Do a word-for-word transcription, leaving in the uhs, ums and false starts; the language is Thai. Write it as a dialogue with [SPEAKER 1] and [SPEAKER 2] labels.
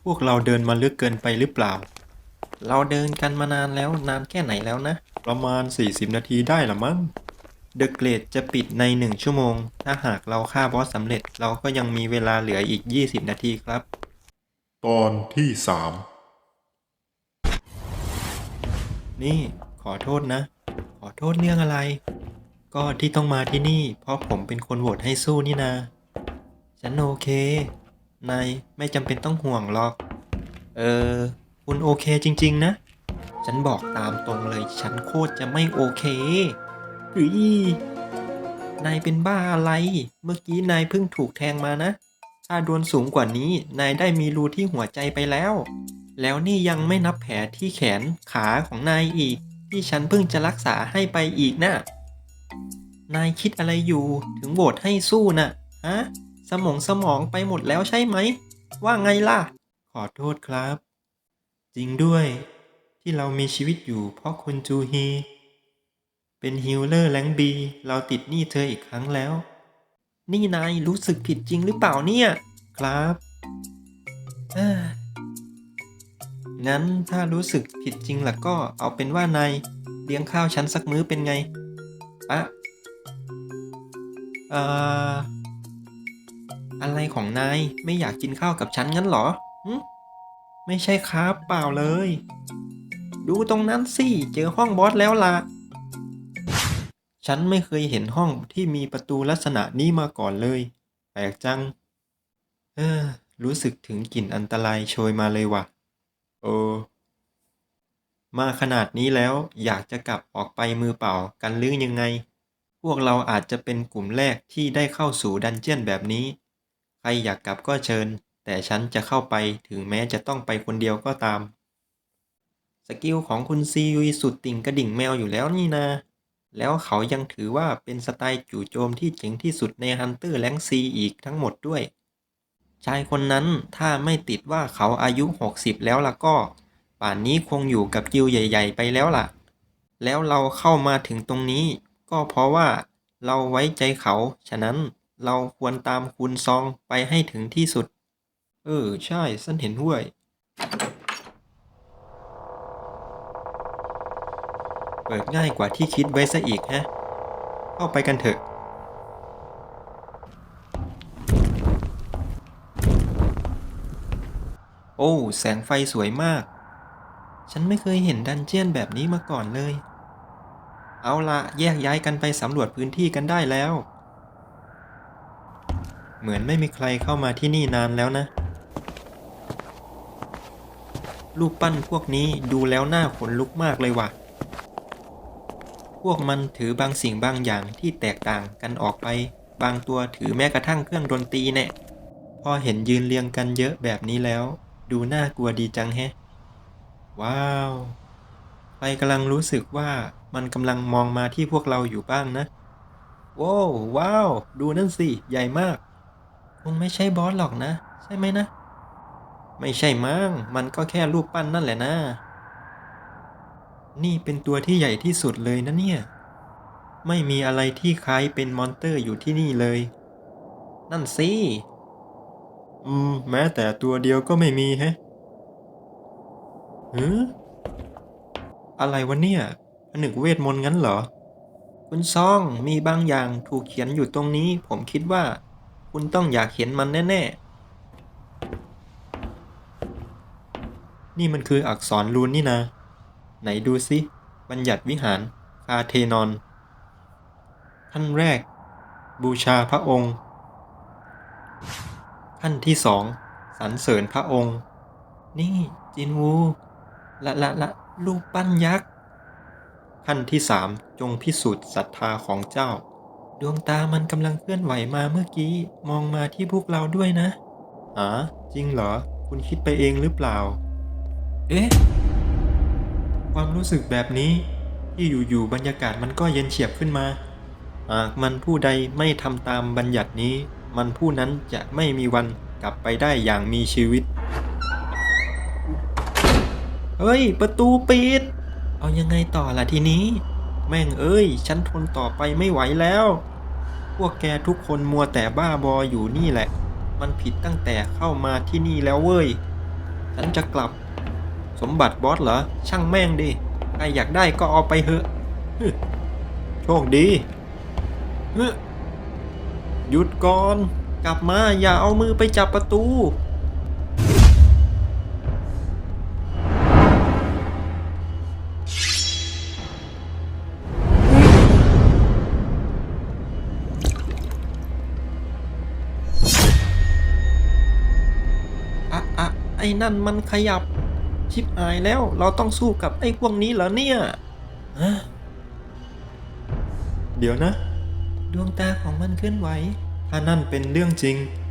[SPEAKER 1] พวกเราเดินมาลึกเกินไปหรือเปล่า เราเดินกันมานานแล้วนานแค่ไหนแล้วนะ ประมาณสี่สิบนาทีได้ละมั้งเดอะเกรดจะปิดในหนึ่งชั่วโมง ถ้าหากเราฆ่าบอสสำเร็จเราก็ยังมีเวลาเหลืออีกยี่สิบนาทีครับ
[SPEAKER 2] ตอนที่สาม
[SPEAKER 1] นี่ขอโทษนะ ขอโทษเรื่องอะไร ก็ที่ต้องมาที่นี่ เพราะผมเป็นคนโหวตให้สู้นี่นา ฉันโอเค นายไม่จำเป็นต้องห่วงหรอก เออ คุณโอเคจริงๆนะ ฉันบอกตามตรงเลย ฉันโคตรจะไม่โอเคเฮ้ยนายเป็นบ้าอะไร เมื่อกี้นายเพิ่งถูกแทงมานะ ถ้าโดนสูงกว่านี้ นายได้มีรูที่หัวใจไปแล้ว แล้วนี่ยังไม่นับแผลที่แขนขาของนายอีก ที่ฉันเพิ่งจะรักษาให้ไปอีกนะ นายคิดอะไรอยู่ถึงโหวตให้สู้น่ะ ฮะ สมองสมองไปหมดแล้วใช่ไหม ว่าไงล่ะ ขอโทษครับ จริงด้วย ที่เรามีชีวิตอยู่เพราะคุณจูฮี เป็นฮีลเลอร์แรงบีเราติดหนี้เธออีกครั้งแล้ว นี่นายรู้สึกผิดจริงหรือเปล่าเนี่ย ครับเอ้องั้นถ้ารู้สึกผิดจริงล่ะก็เอาเป็นว่านายเลี้ยงข้าวฉันสักมื้อเป็นไงอะเอ่ออะไรของนายไม่อยากกินข้าวกับฉันงั้นเหรอหึไม่ใช่ครับเปล่าเลย ดูตรงนั้นสิเจอห้องบอสแล้วล่ะ ฉันไม่เคยเห็นห้องที่มีประตูลักษณะนี้มาก่อนเลย แปลกจัง เออ รู้สึกถึงกลิ่นอันตรายโชยมาเลยว่ะโอมาขนาดนี้แล้วอยากจะกลับออกไปมือเปล่ากันหรือยังไง พวกเราอาจจะเป็นกลุ่มแรกที่ได้เข้าสู่ดันเจียนแบบนี้ ใครอยากกลับก็เชิญ แต่ฉันจะเข้าไปถึงแม้จะต้องไปคนเดียวก็ตาม สกิลของคุณซียุยสุดติ่งกระดิ่งแมวอยู่แล้วนี่นา แล้วเขายังถือว่าเป็นสไตล์จู่โจมที่เจ๋งที่สุดในฮันเตอร์แรงซีอีกทั้งหมดด้วย ชายคนนั้นถ้าไม่ติดว่าเขาอายุหกสิบแล้วล่ะก็ ป่านนี้คงอยู่กับกิลใหญ่ๆไปแล้วล่ะ แล้วเราเข้ามาถึงตรงนี้ ก็เพราะว่าเราไว้ใจเขา ฉะนั้นเราควรตามคุณซองไปให้ถึงที่สุด เออ ใช่ฉันเห็นด้วย เปิดง่ายกว่าที่คิดไว้ซะอีกฮะ เข้าไปกันเถอะ โอ้ แสงไฟสวยมาก ฉันไม่เคยเห็นดันเจียนแบบนี้มาก่อนเลย เอาละแยกย้ายกันไปสำรวจพื้นที่กันได้แล้ว เหมือนไม่มีใครเข้ามาที่นี่นานแล้วนะ รูปปั้นพวกนี้ดูแล้วน่าขนลุกมากเลยว่ะ พวกมันถือบางสิ่งบางอย่างที่แตกต่างกันออกไป บางตัวถือแม้กระทั่งเครื่องดนตรีแน่พอเห็นยืนเรียงกันเยอะแบบนี้แล้ว ดูน่ากลัวดีจังแฮะ ว้าวใครกำลังรู้สึกว่ามันกำลังมองมาที่พวกเราอยู่บ้างนะว้าวว้าว ดูนั่นสิ ใหญ่มาก คงไม่ใช่บอสหรอกนะ ใช่ไหมนะ ไม่ใช่มั้ง มันก็แค่รูปปั้นนั่นแหละนะ นี่เป็นตัวที่ใหญ่ที่สุดเลยนะเนี่ย ไม่มีอะไรที่คล้ายเป็นมอนเตอร์อยู่ที่นี่เลย นั่นสิ อืม แม้แต่ตัวเดียวก็ไม่มีแฮะหืออะไรวะเนี่ยผนึกเวทมนต์งั้นเหรอ คุณซองมีบางอย่างถูกเขียนอยู่ตรงนี้ ผมคิดว่า คุณต้องอยากเห็นมันแน่ๆ นี่มันคืออักษรรูนนี่นะ ไหนดูสิบัญญัติวิหารคาเทนอนขั้นแรก บูชาพระองค์ ขั้นที่สองสรรเสริญพระองค์ นี่จินวูละละละรูปปั้นยักษ์ ขั้นที่สามจงพิสูจน์ศรัทธาของเจ้า ดวงตามันกำลังเคลื่อนไหวมาเมื่อกี้ มองมาที่พวกเราด้วยนะอ๋อจริงเหรอ คุณคิดไปเองหรือเปล่า เอ๊ะ ความรู้สึกแบบนี้ ที่อยู่ๆบรรยากาศมันก็เย็นเฉียบขึ้นมา หากมันผู้ใดไม่ทำตามบัญญัตินี้ มันผู้นั้นจะไม่มีวันกลับไปได้อย่างมีชีวิต เฮ้ย ประตูปิด เอายังไงต่อล่ะทีนี้ แม่งเอ้ย ฉันทนต่อไปไม่ไหวแล้ว พวกแกทุกคนมัวแต่บ้าบออยู่นี่แหละ มันผิดตั้งแต่เข้ามาที่นี่แล้วเว้ยฉันจะกลับ สมบัติบอสเหรอ ช่างแม่งดิใครอยากได้ก็เอาไปเถอะฮึโชคดีฮึหยุดก่อน กลับมาอย่าเอามือไปจับประตู อะอะไอ้นั่นมันขยับ ชิบหายแล้ว เราต้องสู้กับไอ้พวกนี้เหรอเนี่ยฮะเดี๋ยวนะ ดวงตาของมันเคลื่อนไหว ถ้านั่นเป็นเรื่องจริง